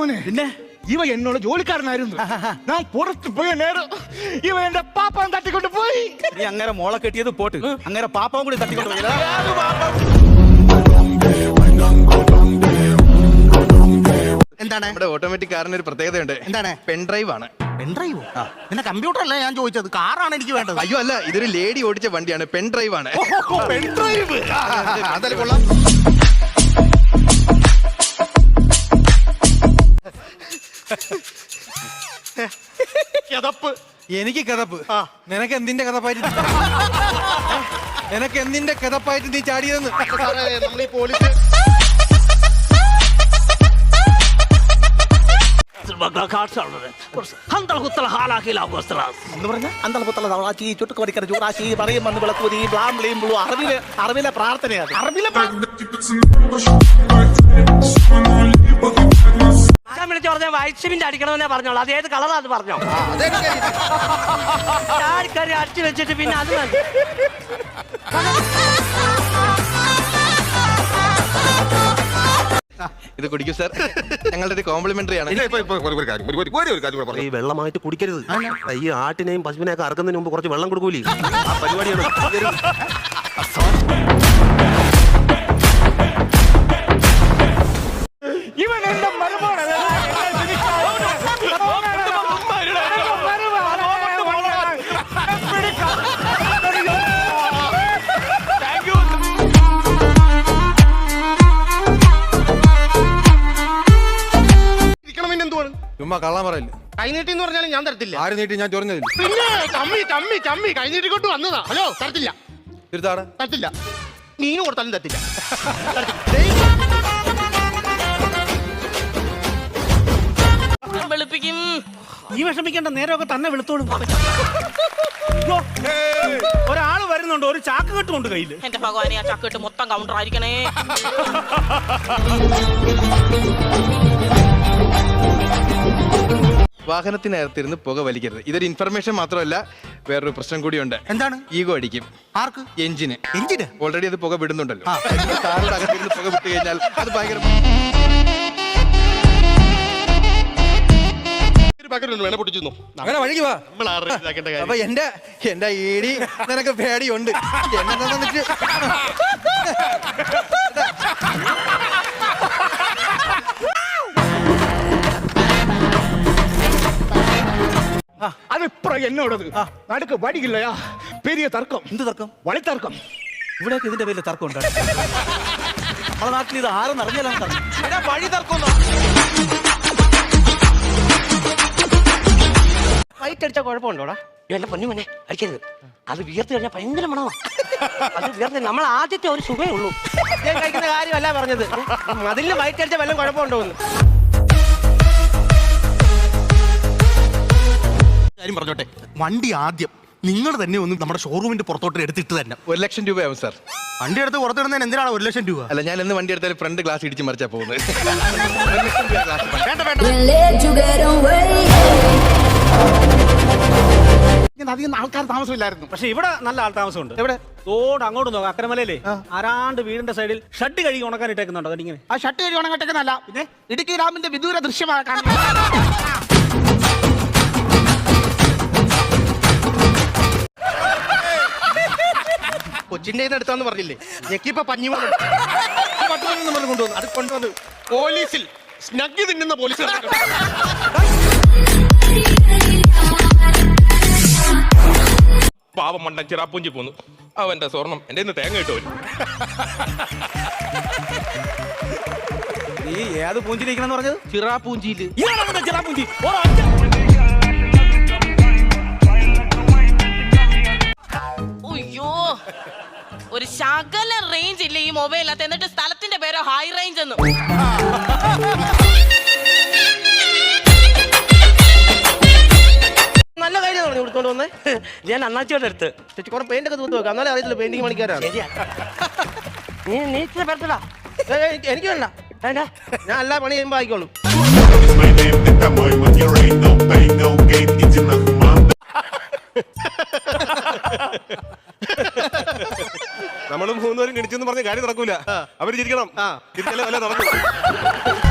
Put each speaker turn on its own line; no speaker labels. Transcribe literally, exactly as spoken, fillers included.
മോനെ പിന്നെ ഇവ എന്നോട് ജോലിക്കാരനായിരുന്നു. ഞാൻ പുറത്ത് പോയ നേരം ഇവ എന്റെ പാപ്പാൻ തട്ടിക്കൊണ്ട് പോയി.
നീ അങ്ങനെ മോളെ കെട്ടിയത് പോട്ട്, അങ്ങനെ പാപ്പാവും കൂടി തട്ടിക്കൊണ്ട് പോയി.
എന്താണ്
നമ്മുടെ ഓട്ടോമാറ്റിക് കാറിന് ഒരു പ്രത്യേകതയുണ്ട്.
എന്താണ്?
പെൻഡ്രൈവ് ആണ്.
പെൻഡ്രൈവോ? പിന്നെ കമ്പ്യൂട്ടർ അല്ല ഞാൻ ചോദിച്ചത്, കാറാണ് എനിക്ക് വേണ്ടത്.
അയ്യോ അല്ല, ഇതൊരു ലേഡി ഓടിച്ച വണ്ടിയാണ്. പെൻഡ്രൈവ് ആണ്.
പെൻഡ്രൈവ് അതല്ല കൊള്ളാം.
കിതപ്പ്.
എനിക്ക് കിതപ്പ്. നിനക്ക് എന്തിന്റെ കിതപ്പായിട്ട് നിനക്ക് എന്തിന്റെ കിതപ്പായിട്ട് നീ ചാടിയതെന്ന്
നമ്മൾ ഈ പോലീസ് അറിവിലെ പ്രാർത്ഥനയാണ്. അറിവിലെ
വിളിച്ചു പറഞ്ഞ വൈറ്റ് സിമെന്റ് അടിക്കണമെന്നേ പറഞ്ഞോളൂ. അത് ഏത് കളറാ അത് പറഞ്ഞോ. ആൾക്കാരെ അടിച്ചു വെച്ചിട്ട് പിന്നെ അത് മതി.
ഇത് കുടിക്കൂ സാർ, ഞങ്ങളുടെ ഒരു കോംപ്ലിമെന്ററി ആണ്.
ഈ വെള്ളമായിട്ട് കുടിക്കരുത്. ഈ ആട്ടിനെയും പശുവിനെയൊക്കെ അറക്കുന്നതിന് മുമ്പ് കുറച്ച് വെള്ളം കൊടുക്കൂലേ, ആ പരിപാടിയാണ്.
ഇവൻ എന്റെ മരുമോനാണ്.
ചുമ്മാ കള്ളം പറയില്ല.
കൈ നീട്ടി എന്ന് പറഞ്ഞാലും ഞാൻ തരത്തില്ല.
ആര് നീട്ടി? ഞാൻ ചൊറിഞ്ഞതില്ല.
പിന്നെ ചമ്മി ചമ്മി ചമ്മി കൈ നീട്ടിക്കൊണ്ട് വന്നതാ. ഹലോ, തരത്തില്ല
തിരുത്താടെ
തരത്തില്ല. മീനും കൊടുത്താലും തരത്തില്ല.
വെളുപ്പിക്കും.
ഈ വിഷമിക്കേണ്ട, നേരമൊക്കെ തന്നെ വെളുത്തോളും. ഒരാള് വരുന്നുണ്ട്, ഒരു ചാക്ക് കെട്ടുകൊണ്ട് കയ്യില്.
എന്റെ ഭഗവാനെ, ആ ചാക്കിട്ട് മൊത്തം കൗണ്ടർ ആയിരിക്കണേ.
വാഹനത്തിനകത്തിരുന്ന് പുക വലിക്കരുത്. ഇതൊരു ഇൻഫർമേഷൻ മാത്രമല്ല, വേറൊരു പ്രശ്നം കൂടിയുണ്ട്.
എന്താണ്?
ഈഗോ അടിക്കും.
ആർക്ക്?
എഞ്ചിന്.
എഞ്ചിന്
ഓൾറെഡി അത് പുക വിടുന്നുണ്ടല്ലോ. കാറിന്റെ അകത്തിരുന്ന് പുക വിട്ട് കഴിഞ്ഞാൽ അത് ഭയങ്കര
അങ്ങനെ വഴിക്ക് വാ. അപ്പൊ എന്റെ എന്റെ ഈടി നിനക്ക് പേടിയുണ്ട്. എന്നെ തന്നിട്ട്
അതിപ്പോ എന്നോടത് നടുക്ക് വടിയില്ലയാ. പെരിയ തർക്കം.
എന്ത് തർക്കം?
വളിത്തർക്കം.
ഇവിടെയൊക്കെ ഇതിന്റെ പേരിൽ തർക്കം ഉണ്ട്. നമ്മുടെ നാട്ടിൽ ഇത് ആരും അറിഞ്ഞാലും
വഴി തർക്കം.
വൈറ്റ് അടിച്ചാൽ കുഴപ്പമുണ്ടോടാ? എന്റെ പൊന്നു മോനെ അടിക്കരുത്. അത് വിയർത്ത് കഴിഞ്ഞാൽ ഭയങ്കര മണമാണ്. അത് വിയർത്ത് നമ്മൾ ആദ്യത്തെ ഒരു സുഖമേ ഉള്ളൂ.
ഞാൻ കഴിക്കുന്ന കാര്യമല്ല പറഞ്ഞത്. അതിൽ വൈറ്റ് അടിച്ച വല്ലതും കുഴപ്പമുണ്ടോന്ന് കാര്യം പറഞ്ഞോട്ടെ. വണ്ടി ആദ്യം നിങ്ങൾ തന്നെ ഒന്ന് നമ്മുടെ ഷോറൂമിന്റെ പുറത്തോട്ട് എടുത്തിട്ട് തന്നെ.
ഒരു ലക്ഷം രൂപയാവും സാർ.
വണ്ടി എടുത്ത് പുറത്തിടുന്നതിന് എന്തിനാണ് ഒരു ലക്ഷം രൂപ?
അല്ല, ഞാൻ എന്ന് വണ്ടി എടുത്താലും ഫ്രണ്ട് ഗ്ലാസ് ഇടിച്ച് മറിച്ചാ പോകുന്നത്.
അധികം ആൾക്കാർ താമസമില്ലായിരുന്നു.
പക്ഷെ ഇവിടെ നല്ല ആൾ താമസമുണ്ട്.
എവിടെ?
തോട് അങ്ങോട്ട് നോക്കാം. അക്കരമലയിലെ ആരാണ്ട് വീടിന്റെ സൈഡിൽ ഷഡ് കഴുകി ഉണക്കാൻ ഇട്ടേക്കുന്നുണ്ടോ? അതിങ്ങനെ
ആ ഷർട്ട് കഴുകി ഉണങ്ങട്ടേക്കുന്നല്ല, പിന്നെ ഇടുക്കി ഡാമിന്റെ വിദൂര ദൃശ്യമാക്കാൻ. കൊച്ചിന്റെ അടുത്താന്ന് പറഞ്ഞില്ലേ, ഞെക്കിപ്പോ പഞ്ഞി കൊണ്ടുവന്നു. അത് കൊണ്ടുവന്നു പോലീസിൽ സ്നഗ്ഗി തിന്നുന്ന പോലീസ്.
പാവം മണ്ടൻ ചിറാപ്പൂഞ്ചി പോന്നു. അവന്റെ സ്വർണം എന്റെ ഇന്ന് തേങ്ങ ഇട്ടു.
നീ ഏത് പൂഞ്ചിരിക്കണെന്ന് പറഞ്ഞത്?
ചിറാപ്പൂഞ്ചിയില്.
ചിറാപ്പൂഞ്ചി.
അയ്യോ, ഒരു ശകല റേഞ്ച് ഇല്ല ഈ മൊബൈലിനകത്ത്. എന്നിട്ട് സ്ഥലത്തിന്റെ പേരോ ഹൈ റേഞ്ച് എന്ന്.
നല്ല കാര്യമാണ് കൊടുത്തോണ്ട് വന്നേ. ഞാൻ അണ്ണാച്ചിയുടെ അടുത്ത് ചേച്ചി കുറെ പെയിന്റ് ഒക്കെ തൂത്ത് വെക്കാം. എന്നാലും അറിയത്തില്ല പെയിന്റിങ് പണിക്കാരാണ്.
നീ നീ ഇത്ര പെടുത്തടാ.
എനിക്ക് വേണ്ട, ഞാൻ എല്ലാ പണി ചെയ്യുമ്പോ ആയിക്കോളും.
നമ്മള് മൂന്നുപേരും കിണിച്ചെന്ന് പറഞ്ഞ കാര്യം നടക്കൂല. അവര് ചിരിക്കണം. ചിരിച്ചാലേ വല്ല നടക്കും.